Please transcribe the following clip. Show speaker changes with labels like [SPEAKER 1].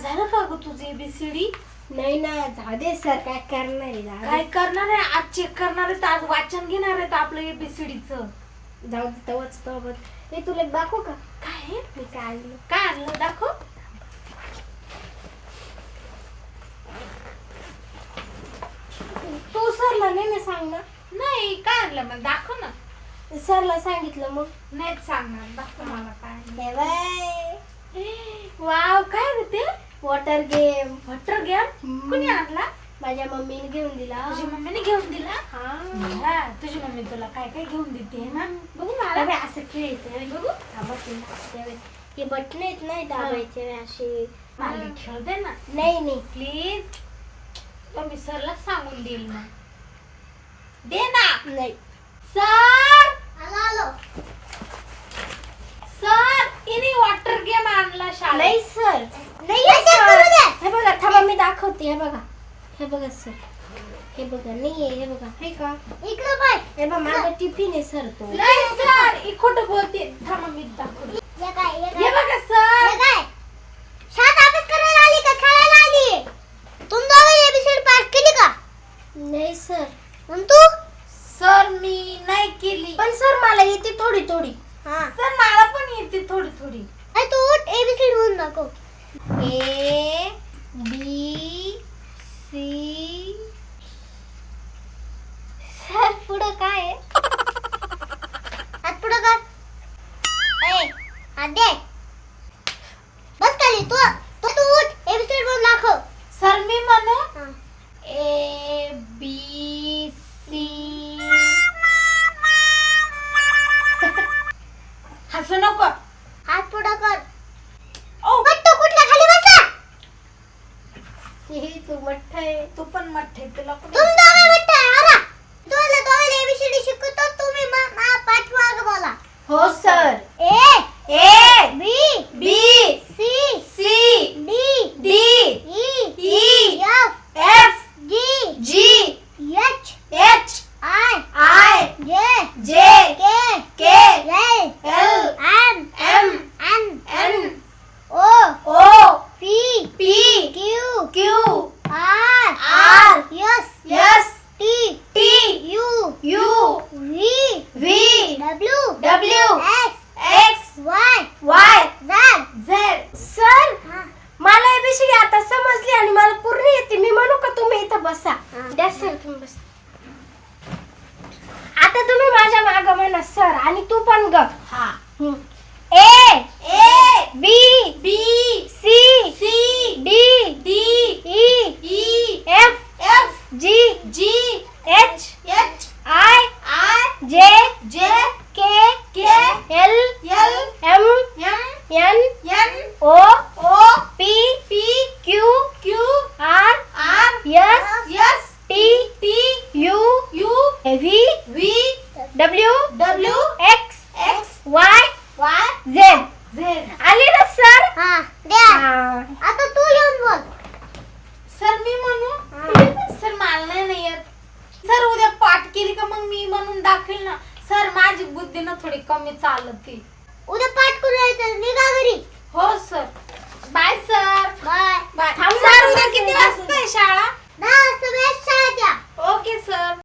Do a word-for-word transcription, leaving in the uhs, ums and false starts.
[SPEAKER 1] झालं का ग तुझी एबीसीडी?
[SPEAKER 2] नाही ना, जाऊ दे सर, काय करणार आहे? जाऊ दे.
[SPEAKER 1] काय करणार आहे? आज चेक करणार आहे, आज वाचन घेणार आहेत आपलं एबीसीडीचं.
[SPEAKER 2] जाऊ दे, तवच तवच. हे तुला एक दाखवू का?
[SPEAKER 1] काय
[SPEAKER 2] मी काय आणलं?
[SPEAKER 1] काय आणलं दाखव.
[SPEAKER 2] तू सरला नाही ना सांग ना.
[SPEAKER 1] नाही काय आणलं मग दाखव ना.
[SPEAKER 2] सरला सांगितलं मग.
[SPEAKER 1] नाहीच सांगणार, दाखव मला काय आणलं.
[SPEAKER 2] हे बाय,
[SPEAKER 1] वाव, काय रे ते?
[SPEAKER 2] Water game.
[SPEAKER 1] वॉटर गेम कुणी आणला?
[SPEAKER 2] माझ्या मम्मीने घेऊन दिला.
[SPEAKER 1] तुझी मम्मीने घेऊन दिला?
[SPEAKER 2] हा.
[SPEAKER 1] हा, तुझी मम्मी तुला काय काय घेऊन देते ना? बघू मला.
[SPEAKER 2] अरे असं खेळते
[SPEAKER 1] बघू.
[SPEAKER 2] हे बटन आहेत नाही दाबायचे असे.
[SPEAKER 1] मला खेळ दे ना
[SPEAKER 2] नाही नाही
[SPEAKER 1] प्लीज. तर मी सरला सांगून देईल ना. दे ना.
[SPEAKER 2] नाही.
[SPEAKER 1] सर
[SPEAKER 2] आलो आलो.
[SPEAKER 1] सर, इनी वॉटर गेम आणला शाळेत.
[SPEAKER 2] नाही सर, नाही. हे बघा, थांबा मी दाखवते. हे बघा, हे बघा सर, हे बघा. नाही हे बघा, हे का इकडे पाय. हे बघा, माझा टिफिन आहे सर. तो
[SPEAKER 1] नाही सर, ही खोटं बोलते. थांबा मी दाखवते.
[SPEAKER 2] हे काय
[SPEAKER 1] हे बघा सर.
[SPEAKER 2] हे काय शाळेत अभ्यास करायला आली का खेळायला आली? तुम दोघे एबीसीडी पास केली का? नाही सर. आणि तू?
[SPEAKER 1] सर मी नाही केली.
[SPEAKER 2] पण सर मला येते थोडी थोडी. हां
[SPEAKER 1] सर मला पण येते थोडी थोडी.
[SPEAKER 2] अरे तू उठ, एबीसीडी म्हणून दाखव. ए बी सी. सर पुढं काय आहे? हात पुढं कर. ए हात दे. बस खाली. तू तू तू उठ, एबीसीडी म्हणून दाखव.
[SPEAKER 1] सर मी म्हणू
[SPEAKER 2] हां.
[SPEAKER 1] A B C. हसू नको.
[SPEAKER 2] हात पुढं कर.
[SPEAKER 1] ओ
[SPEAKER 2] मट्टू कुठल्या खाली बसला? हे तू मट्ट आहे.
[SPEAKER 1] तू पण मठ्ठे. तुला पण
[SPEAKER 2] तुम दोघे मट्ट आहे. आला तुला दोघे एबीसीडी शिकवतो. तुम्ही मा पाठवा बोला.
[SPEAKER 1] हो sir.
[SPEAKER 2] A
[SPEAKER 1] A
[SPEAKER 2] B
[SPEAKER 1] B
[SPEAKER 2] C
[SPEAKER 1] C
[SPEAKER 2] D
[SPEAKER 1] D
[SPEAKER 2] E
[SPEAKER 1] E
[SPEAKER 2] F
[SPEAKER 1] F
[SPEAKER 2] G
[SPEAKER 1] G
[SPEAKER 2] H
[SPEAKER 1] H
[SPEAKER 2] I
[SPEAKER 1] I
[SPEAKER 2] J
[SPEAKER 1] J
[SPEAKER 2] K
[SPEAKER 1] K
[SPEAKER 2] L
[SPEAKER 1] L
[SPEAKER 2] M
[SPEAKER 1] M
[SPEAKER 2] N
[SPEAKER 1] N
[SPEAKER 2] O
[SPEAKER 1] O
[SPEAKER 2] P
[SPEAKER 1] P
[SPEAKER 2] Q
[SPEAKER 1] Q
[SPEAKER 2] R
[SPEAKER 1] R
[SPEAKER 2] S
[SPEAKER 1] S
[SPEAKER 2] T
[SPEAKER 1] T
[SPEAKER 2] U
[SPEAKER 1] U
[SPEAKER 2] V
[SPEAKER 1] V
[SPEAKER 2] W
[SPEAKER 1] W
[SPEAKER 2] X
[SPEAKER 1] X
[SPEAKER 2] Y
[SPEAKER 1] Y
[SPEAKER 2] Z.
[SPEAKER 1] Z.
[SPEAKER 2] Sir मला ABCD आता समजली आणि मला पूर्ण येते. मी म्हणू का तुम्ही इथं बसा? द्या सर तुम्ही बसा. आता तुम्ही माझ्या मागं म्हणा सर, आणि तू पण ग.
[SPEAKER 1] हा.
[SPEAKER 2] A
[SPEAKER 1] A
[SPEAKER 2] B
[SPEAKER 1] B
[SPEAKER 2] C
[SPEAKER 1] C
[SPEAKER 2] D
[SPEAKER 1] D
[SPEAKER 2] E
[SPEAKER 1] E
[SPEAKER 2] F
[SPEAKER 1] F
[SPEAKER 2] G
[SPEAKER 1] G
[SPEAKER 2] H
[SPEAKER 1] H
[SPEAKER 2] I
[SPEAKER 1] I
[SPEAKER 2] J
[SPEAKER 1] J
[SPEAKER 2] K
[SPEAKER 1] K
[SPEAKER 2] L
[SPEAKER 1] L
[SPEAKER 2] M
[SPEAKER 1] M
[SPEAKER 2] N
[SPEAKER 1] N
[SPEAKER 2] O
[SPEAKER 1] O
[SPEAKER 2] P
[SPEAKER 1] P
[SPEAKER 2] Q
[SPEAKER 1] Q
[SPEAKER 2] R
[SPEAKER 1] R
[SPEAKER 2] S
[SPEAKER 1] S
[SPEAKER 2] T
[SPEAKER 1] T
[SPEAKER 2] U
[SPEAKER 1] U
[SPEAKER 2] V
[SPEAKER 1] V
[SPEAKER 2] W
[SPEAKER 1] W
[SPEAKER 2] X
[SPEAKER 1] X
[SPEAKER 2] Y
[SPEAKER 1] Y
[SPEAKER 2] Z.
[SPEAKER 1] Z.
[SPEAKER 2] आली ना sir? हा द्या. आता तू येऊन बोल.
[SPEAKER 1] Sir मी म्हणू? Sir मला नाही ना येत. सर उद्या पाठ केली का मग मी म्हणून दाखवेल ना. सर माझी बुद्धी ना थोडी कमी चालते.
[SPEAKER 2] उद्या पाठ करून यायचं. निघा घरी.
[SPEAKER 1] हो sir. Bye sir.
[SPEAKER 2] Bye.
[SPEAKER 1] Bye.
[SPEAKER 2] थांब
[SPEAKER 1] सर
[SPEAKER 2] ना.
[SPEAKER 1] उद्या किती वाजता आहे शाळा?
[SPEAKER 2] दहा वाजता शाळेत या.
[SPEAKER 1] Okay sir.